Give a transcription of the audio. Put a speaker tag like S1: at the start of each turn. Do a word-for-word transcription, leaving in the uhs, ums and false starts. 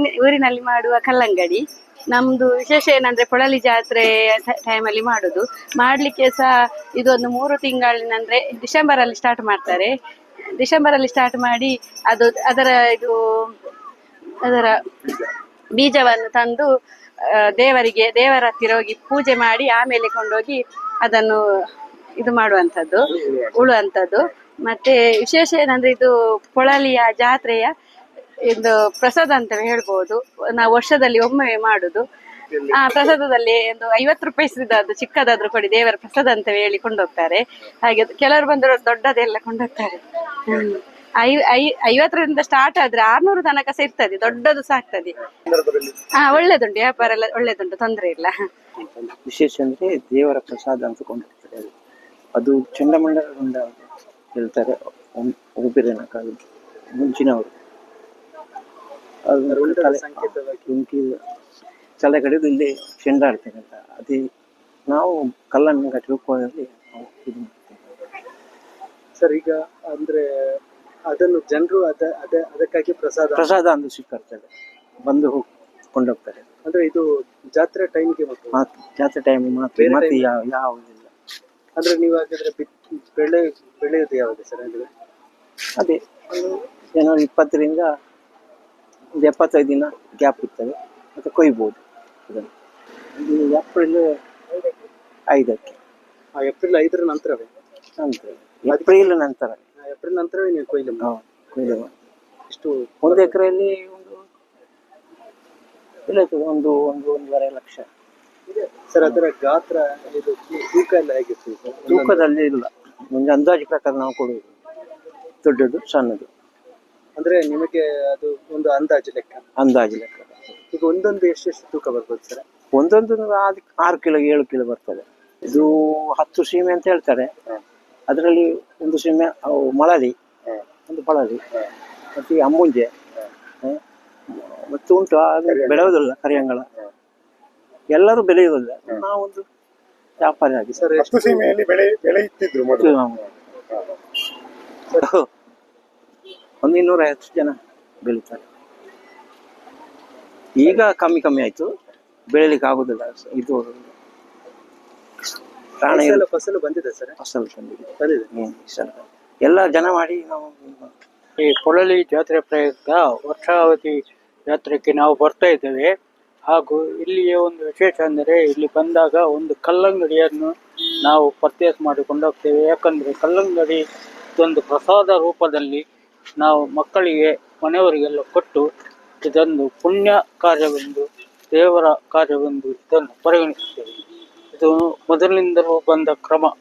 S1: ಊರಿನ ಊರಿನಲ್ಲಿ ಮಾಡುವ ಕಲ್ಲಂಗಡಿ. ನಮ್ದು ವಿಶೇಷ ಏನಂದ್ರೆ ಪೊಳಲಿ ಜಾತ್ರೆ ಟೈಮಲ್ಲಿ ಮಾಡುದು. ಮಾಡ್ಲಿಕ್ಕೆ ಸಹ ಇದೊಂದು ಮೂರು ತಿಂಗಳಿನಂದ್ರೆ ಡಿಸೆಂಬರ್ ಅಲ್ಲಿ ಸ್ಟಾರ್ಟ್ ಮಾಡ್ತಾರೆ. ಡಿಸೆಂಬರ್ ಅಲ್ಲಿ ಸ್ಟಾರ್ಟ್ ಮಾಡಿ ಅದು ಅದರ ಇದು ಅದರ ಬೀಜವನ್ನು ತಂದು ದೇವರಿಗೆ ದೇವರ ಹತ್ತಿರ ಹೋಗಿ ಪೂಜೆ ಮಾಡಿ ಆಮೇಲೆ ಕೊಂಡೋಗಿ ಅದನ್ನು ಇದು ಮಾಡುವಂಥದ್ದು, ಉಳುವಂಥದ್ದು. ಮತ್ತೆ ವಿಶೇಷ ಏನಂದ್ರೆ ಇದು ಪೊಳಲಿಯ ಜಾತ್ರೆಯ ಇದು ಪ್ರಸಾದ ಅಂತ ಹೇಳ್ಬೋದು. ನಾವು ವರ್ಷದಲ್ಲಿ ಒಮ್ಮೆ ಮಾಡುದು. ಆ ಪ್ರಸಾದದಲ್ಲಿ ಒಂದು ಐವತ್ತು ರೂಪಾಯಿ ಸಿದದ್ದು ಚಿಕ್ಕದಾದ್ರೂ ಕೊಡಿ ದೇವರ ಪ್ರಸಾದ ಅಂತ ಹೇಳಿ ಕೊಂಡೋಗ್ತಾರೆ. ಹಾಗೆ ಕೆಲವರು ಬಂದರು ದೊಡ್ಡದೆಲ್ಲ ಕೊಂಡೋಗ್ತಾರೆ. ಹ್ಮ್ ಐ ಐ ಐವತ್ತರಿಂದ ಸ್ಟಾರ್ಟ್ ಆದ್ರೆ ಆರ್ನೂರು ತನಕ ಸಹ ಇರ್ತದೆ, ದೊಡ್ಡದು ಸಹ ಆಗ್ತದೆ. ಹಾ ಒಳ್ಳೇದುಂಟು, ವ್ಯಾಪಾರ ಎಲ್ಲ ಒಳ್ಳೇದುಂಟು, ತೊಂದರೆ ಇಲ್ಲ.
S2: ವಿಶೇಷ ಅಂದ್ರೆ ದೇವರ ಪ್ರಸಾದ ಅಂತ ಕೊಂಡಿರ್ತಾರೆ. ಅದು ಚಂಡಮಂಡಲದಿಂದ ಹೇಳ್ತಾರೆ ಒಬ್ಬರಿನ ಕಾಲ ಮುಂಚಿನವರು. ತಲೆ ಕಡೆದು ಇಲ್ಲಿ ಚೆಂಡಾಡ್ತೇನೆ ಅಂತ ಅದೇ ನಾವು ಕಲ್ಲನ್ನು ಕಟ್ಟಿ ರೂಪದಲ್ಲಿ
S3: ಸರ್. ಈಗ ಅಂದ್ರೆ ಅದನ್ನು ಜನರು ಅದ ಅದ ಅದಕ್ಕಾಗಿ ಪ್ರಸಾದ
S2: ಪ್ರಸಾದ ಅಂತ ಸಿಕ್ಕಾಡ್ತಾರೆ, ಬಂದು ಕೊಂಡೋಗ್ತಾರೆ.
S3: ಅಂದ್ರೆ ಇದು ಜಾತ್ರೆ ಟೈಮ್ಗೆ
S2: ಮಾತ್ರ, ಜಾತ್ರೆ ಟೈಮ್ ಮಾತ್ರ, ಮತ್ತೆ ಯಾವುದಿಲ್ಲ.
S3: ಅಂದ್ರೆ ನೀವು ಹಾಗಿದ್ರೆ ಬೆಳೆ ಬೆಳೆಯೋದು ಯಾವುದು ಸರ್? ಅಂದ್ರೆ
S2: ಅದೇ ಜನವರಿ ಇಪ್ಪತ್ತರಿಂದ ಒಂದು ಎಪ್ಪತ್ತೈದು ದಿನ ಗ್ಯಾಪ್ ಇರ್ತದೆ, ಮತ್ತೆ ಕೊಯ್ಬೋದು ಅದನ್ನು. ಇದು ಏಪ್ರಿಲ್ ಐದಕ್ಕೆ.
S3: ಏಪ್ರಿಲ್ ಐದರ ನಂತರವೇ?
S2: ನಂತರ ಏಪ್ರಿಲ್ ನಂತರ
S3: ಏಪ್ರಿಲ್ ನಂತರವೇ ನೀವು ಕೊಯ್ಲು
S2: ಕೊಯ್ಲು
S3: ಇಷ್ಟು
S2: ಒಂದು ಎಕರೆಯಲ್ಲಿ ಒಂದು ಬೆಳೆಯುತ್ತದೆ ಒಂದು ಒಂದು ಒಂದೂವರೆ ಲಕ್ಷ.
S3: ಸರ್ ಅದರ ಗಾತ್ರ ಇದು ತೂಕ ಎಲ್ಲ ಹೇಗಿರ್ತದೆ?
S2: ತೂಕದಲ್ಲಿ ಇಲ್ಲ, ಒಂದು ಅಂದಾಜು ಪ್ರಕಾರ ನಾವು ಕೊಡುವುದು, ದೊಡ್ಡದು ಸಣ್ಣದು.
S3: ಅಂದ್ರೆ ನಿಮಗೆ ಅದು ಒಂದು ಅಂದಾಜು ಲೆಕ್ಕ?
S2: ಅಂದಾಜು ಲೆಕ್ಕ.
S3: ಈಗ ಒಂದೊಂದು ಎಷ್ಟೆಷ್ಟು ತೂಕ ಬರ್ಬೋದು ಸರ್?
S2: ಒಂದೊಂದು ಆರು ಕಿಲೋ ಏಳು ಕಿಲೋ ಬರ್ತದೆ. ಇದು ಹತ್ತು ಸೀಮೆ ಅಂತ ಹೇಳ್ತಾರೆ. ಅದರಲ್ಲಿ ಒಂದು ಸೀಮೆ ಅವು ಮಳಲಿ, ಒಂದು ಪಳಲಿ, ಮತ್ತೆ ಅಮ್ಮುಂಜೆ ಮತ್ತು ಉಂಟು. ಬೆಳೆಯುವುದಿಲ್ಲ ಕರಿಯಂಗಳ, ಎಲ್ಲರೂ ಬೆಳೆಯುವುದಿಲ್ಲ. ನಾವೊಂದು ವ್ಯಾಪಾರಿ ಆಗಿ
S3: ಸರ್ ಎಷ್ಟು ಸೀಮೆಯಲ್ಲಿ ಬೆಳೆ ಬೆಳೆಯುತ್ತಿದ್ರು ಮೊದಲು?
S2: ಒಂದು ಇನ್ನೂರ ಐವತ್ತು ಜನ ಬೆಳೀತಾರೆ. ಈಗ ಕಮ್ಮಿ ಕಮ್ಮಿ ಆಯ್ತು, ಬೆಳಿಲಿಕ್ಕೆ ಆಗುದಿಲ್ಲ. ಇದು ಪ್ರಾಣ
S3: ಫಸಲು ಬಂದಿದೆ ಸರ್?
S2: ಫಸಲು ಬಂದಿದೆ, ಬಂದಿದೆ. ಎಲ್ಲ ಜನ ಮಾಡಿ ನಾವು
S4: ಈ ಪೊಳಲಿ ಜಾತ್ರೆ ಪ್ರಯುಕ್ತ ವರ್ಷಾವಧಿ ಜಾತ್ರೆಗೆ ನಾವು ಬರ್ತಾ ಇದ್ದೇವೆ. ಹಾಗೂ ಇಲ್ಲಿಯ ಒಂದು ವಿಶೇಷ ಅಂದರೆ ಇಲ್ಲಿ ಬಂದಾಗ ಒಂದು ಕಲ್ಲಂಗಡಿಯನ್ನು ನಾವು ಪರ್ಚೇಸ್ ಮಾಡಿಕೊಂಡು ಹೋಗ್ತೇವೆ. ಯಾಕಂದರೆ ಕಲ್ಲಂಗಡಿ ಇದೊಂದು ಪ್ರಸಾದ ರೂಪದಲ್ಲಿ ನಾವು ಮಕ್ಕಳಿಗೆ ಮನೆಯವರಿಗೆಲ್ಲ ಕೊಟ್ಟು ಇದೊಂದು ಪುಣ್ಯ ಕಾರ್ಯವೆಂದು, ದೇವರ ಕಾರ್ಯವೆಂದು ಇದನ್ನು ಪರಿಗಣಿಸುತ್ತೇವೆ. ಇದು ಮೊದಲಿನಿಂದಲೂ ಬಂದ ಕ್ರಮ.